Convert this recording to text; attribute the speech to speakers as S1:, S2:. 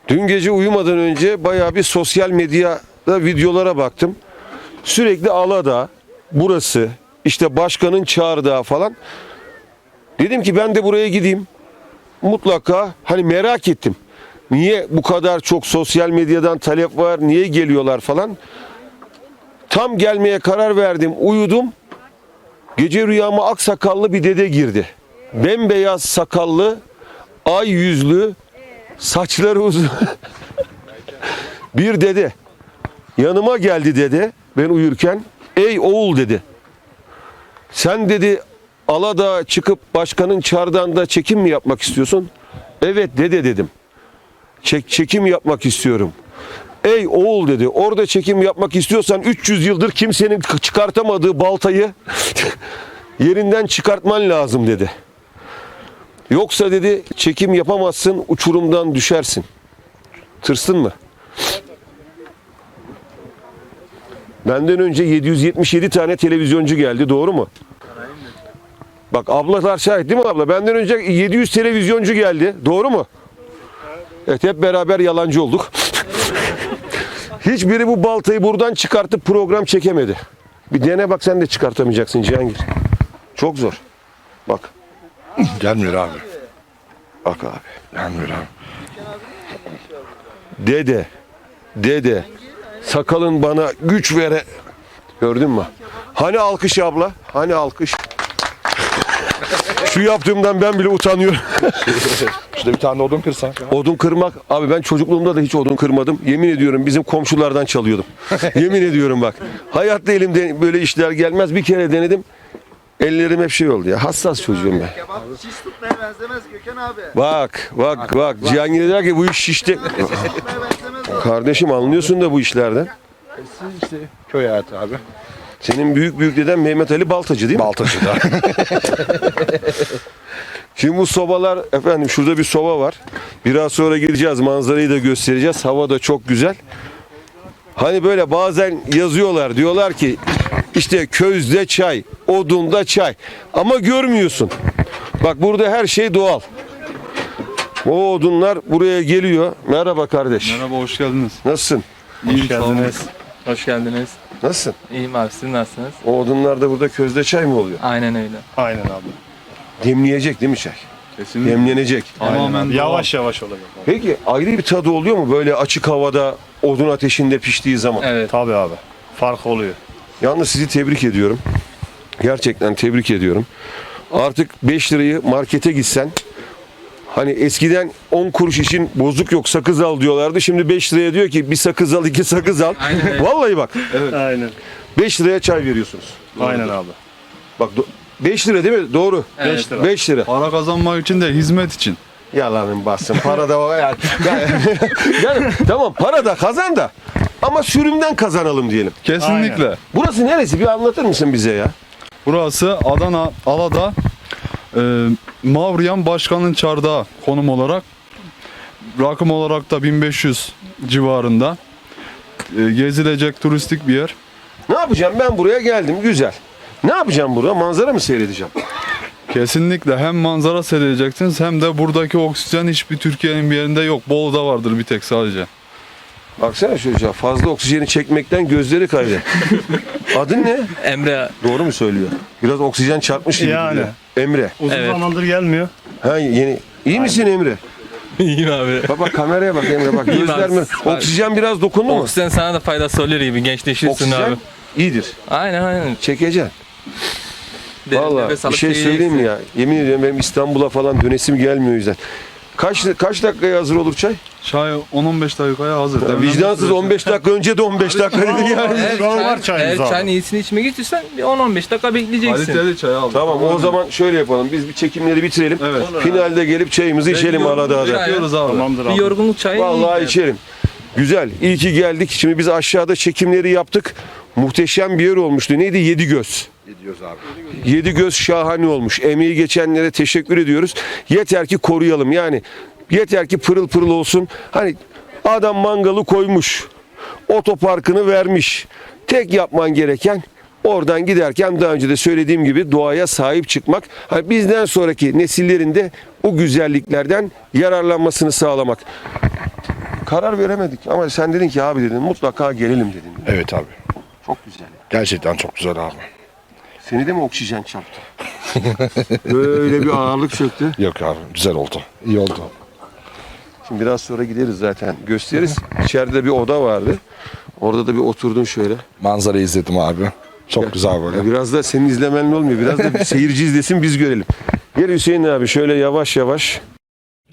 S1: Dün gece uyumadan önce bayağı bir sosyal medyada videolara baktım. Sürekli Aladağ, burası, işte başkanın Çağrıdağı falan. Dedim ki ben de buraya gideyim. Mutlaka hani merak ettim. Niye bu kadar çok sosyal medyadan talep var, niye geliyorlar falan. Tam gelmeye karar verdim, uyudum. Gece rüyama aksakallı bir dede girdi. Bembeyaz sakallı, ay yüzlü, saçları uzun. Bir dede. Yanıma geldi dede, ben uyurken. Ey oğul dedi. Sen dedi Aladağ'a çıkıp başkanın Çardağ'ında çekim mi yapmak istiyorsun? Evet dede dedim. Çekim yapmak istiyorum. Ey oğul dedi, orada çekim yapmak istiyorsan 300 yıldır kimsenin çıkartamadığı baltayı yerinden çıkartman lazım dedi. Yoksa dedi çekim yapamazsın, uçurumdan düşersin. Tırsın mı? Benden önce 777 tane televizyoncu geldi, doğru mu? Bak ablalar şahit değil mi abla? Benden önce 700 televizyoncu geldi, doğru mu? Evet, hep beraber yalancı olduk. Hiçbiri bu baltayı buradan çıkartıp program çekemedi. Bir dene bak, sen de çıkartamayacaksın Cihangir. Çok zor. Bak.
S2: Gelmiyor abi.
S1: Bak abi.
S2: Gelmiyor abi.
S1: Dede. Sakalın bana güç vere. Gördün mü? Hani alkış abla? Hani alkış? Şu yaptığımdan ben bile utanıyorum.
S2: İşte bir tane odun kırsan.
S1: Odun kırmak, abi ben çocukluğumda da hiç odun kırmadım. Yemin ediyorum bizim komşulardan çalıyordum. Yemin ediyorum bak. Hayatta elimde böyle işler gelmez. Bir kere denedim. Ellerim hep şey oldu ya. Hassas çocuğum ben.
S3: Kebap şiş tutmaya benzemez Gökhan abi.
S1: Bak. Cihangir der ki bu iş şişti.
S3: Şiş tutmaya benzemez o.
S1: Kardeşim anlıyorsun da bu işlerden.
S2: Siz işte köy hayatı abi.
S1: Senin büyük deden Mehmet Ali Baltacı değil mi?
S2: Baltacı da.
S1: Şimdi bu sobalar, efendim şurada bir soba var. Biraz sonra gideceğiz, manzarayı da göstereceğiz. Hava da çok güzel. Hani böyle bazen yazıyorlar, diyorlar ki işte közde çay, odunda çay. Ama görmüyorsun. Bak burada her şey doğal. O odunlar buraya geliyor. Merhaba kardeş.
S4: Merhaba, hoş geldiniz.
S1: Nasılsın?
S4: Hoş geldiniz.
S5: Hoş geldiniz.
S1: Nasılsın?
S5: İyiyim abi, siz nasılsınız?
S1: O odunlar da burada közde çay mı oluyor?
S5: Aynen öyle.
S2: Aynen abi.
S1: Demleyecek değil mi çay?
S4: Kesinlikle.
S1: Demlenecek.
S4: Tamamen doğal.
S2: Yavaş yavaş olacak.
S1: Peki ayrı bir tadı oluyor mu böyle açık havada odun ateşinde piştiği zaman?
S5: Evet.
S2: Tabii abi. Fark oluyor.
S1: Yalnız sizi tebrik ediyorum. Gerçekten tebrik ediyorum. Artık 5 lirayı markete gitsen, hani eskiden 10 kuruş için bozuk yok sakız al diyorlardı. Şimdi 5 liraya diyor ki bir sakız al, 2 sakız al.
S5: Aynen öyle.
S1: Vallahi bak
S2: Aynen.
S1: 5 liraya çay veriyorsunuz.
S2: Aynen abi.
S1: Bak 5 lira değil mi? Doğru.
S5: Evet.
S2: 5 lira.
S1: 5 lira.
S4: Para kazanmak için de hizmet için.
S1: Yalanın bassın. Para da var yani. Yani tamam para da kazan da ama sürümden kazanalım diyelim.
S4: Kesinlikle.
S1: Burası neresi? Bir anlatır mısın bize ya?
S4: Burası Adana, Aladağ, Mavriyan Başkan'ın Çardağı konum olarak. Rakım olarak da 1500 civarında. Gezilecek turistik bir yer.
S1: Ne yapacağım? Ben buraya geldim. Güzel. Ne yapacağım burada? Manzara mı seyredeceğim?
S4: Kesinlikle hem manzara seyredeceksiniz hem de buradaki oksijen hiçbir Türkiye'nin bir yerinde yok. Bolu'da vardır bir tek sadece.
S1: Baksana çocuğa, fazla oksijeni çekmekten gözleri kaydı. Adın ne?
S5: Emre.
S1: Doğru mu söylüyor? Biraz oksijen çarpmış gibi
S2: Yani.
S1: duruyor. Emre.
S2: Uzun
S5: Evet.
S2: zamandır gelmiyor.
S1: Ha yeni. İyi misin Emre?
S5: İyiyim abi.
S1: Bak kameraya bak Emre bak.
S5: İyiyim
S1: Gözler
S5: abi.
S1: mi? Oksijen biraz dokundu mu?
S5: Oksijen sana da faydası oluyor gibi, gençleşirsin
S1: Oksijen
S5: abi.
S1: iyidir.
S5: Aynen.
S1: Çekeceksin.
S5: Derin
S1: Vallahi
S5: nefes
S1: bir
S5: alıp
S1: şey söyleyeyim mi ya? Yemin ediyorum benim İstanbul'a falan dönesim gelmiyor o yüzden. Kaç dakikaya hazır olur çay?
S4: Çay 10-15 dakikaya hazır.
S1: Ya
S4: Demlenme
S1: vicdansız
S4: süresi-
S1: 15 dakika önce de 15 dakika dedi yani.
S2: Şu an var çayımız
S5: Eğer
S2: abi.
S5: çayın iyisini içmek istiyorsan bir 10-15 dakika bekleyeceksin.
S4: Kaliteli çay al.
S1: Tamam o zaman şöyle yapalım. Biz bir çekimleri bitirelim.
S4: Evet.
S1: Finalde gelip çayımızı içelim Aladağ'da.
S4: Bekliyoruz abi.
S2: Tamamdır
S5: Bir
S2: abi.
S5: yorgunluk çayı
S1: Vallahi
S5: iyi.
S1: içerim. Güzel. İyi ki geldik. Şimdi biz aşağıda çekimleri yaptık. Muhteşem bir yer olmuştu. Neydi? Yedigöz.
S2: Gidiyoruz abi.
S1: Yedigöz şahane olmuş. Emeği geçenlere teşekkür ediyoruz. Yeter ki koruyalım. Yani yeter ki pırıl pırıl olsun. Hani adam mangalı koymuş. Otoparkını vermiş. Tek yapman gereken oradan giderken daha önce de söylediğim gibi doğaya sahip çıkmak. Hani bizden sonraki nesillerin de bu güzelliklerden yararlanmasını sağlamak. karar veremedik ama sen dedin ki abi dedin mutlaka gelelim dedin.
S2: Evet abi.
S1: Çok güzel.
S2: Gerçekten çok güzel abi.
S1: Seni de mi oksijen çarptı? Böyle bir ağırlık çöktü.
S2: Yok abi güzel oldu. İyi oldu.
S1: Şimdi biraz sonra gideriz zaten. Gösteririz. İçeride bir oda vardı. Orada da bir oturdun şöyle.
S2: Manzarayı izledim abi. Çok güzel
S1: Ya
S2: böyle.
S1: biraz da senin izlemenle olmuyor. Biraz da bir seyirci izlesin biz görelim. Gel Hüseyin abi şöyle yavaş yavaş.